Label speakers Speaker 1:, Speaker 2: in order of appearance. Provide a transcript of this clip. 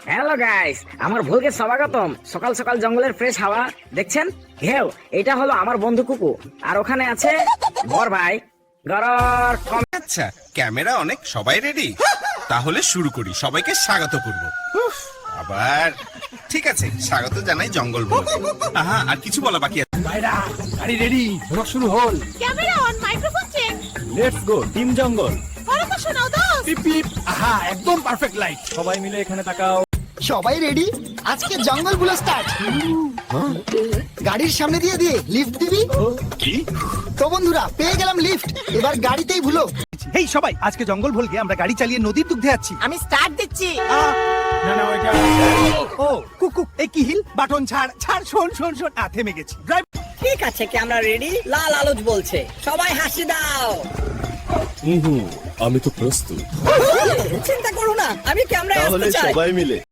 Speaker 1: Hello guys, আমার ভুলকে স্বাগতম। সকাল সকাল জঙ্গলের ফ্রেশ হাওয়া দেখছেন। ঘেউ, এটা হলো আমার বন্ধু কুকু, আর ওখানে আছে বর ভাই গরর কম।
Speaker 2: আচ্ছা, ক্যামেরা অনেক, সবাই রেডি? তাহলে শুরু করি, সবাইকে স্বাগত করব। আবার ঠিক আছে, স্বাগত জানাই জঙ্গল বলে। আহা, আর কিছু বলা বাকি আছে?
Speaker 3: ভাইরা গাড়ি রেডি, ব্লগ শুরু হল।
Speaker 4: Camera on, microphone check.
Speaker 3: Let's go team jungle.
Speaker 4: পরপর শোনাও দাও।
Speaker 3: পিপ পিপ। আহা, একদম পারফেক্ট লাইট। সবাই মিলে এখানে তাকাও।
Speaker 5: সবাই রেডি? আজকে জঙ্গল গুলো স্টার্ট। গাড়ির সামনে দিয়ে দিয়ে লিফট দিবি
Speaker 3: কি?
Speaker 5: তো বন্ধুরা, পেয়ে গেলাম লিফট। এবার গাড়িতেই ভুলো।
Speaker 6: হেই সবাই, আজকে জঙ্গল ভুলকে আমরা গাড়ি চালিয়ে নদীর দুগ্ধে যাচ্ছি।
Speaker 4: আমি স্টার্ট দিচ্ছি।
Speaker 3: না না, ওইটা
Speaker 6: ও কুকু, এই কি হিল বাটন ছাড় ছাড়, শোন শোন শোন। থেমে গেছি। ড্রাইভ।
Speaker 7: ঠিক আছে, ক্যামেরা রেডি। লাল আলোচ বলছে, সবাই হাসি দাও।
Speaker 8: আমি তো প্রস্তুত।
Speaker 7: চিন্তা করো না, আমি ক্যামেরায় আসতে চাই।
Speaker 8: সবাই মিলে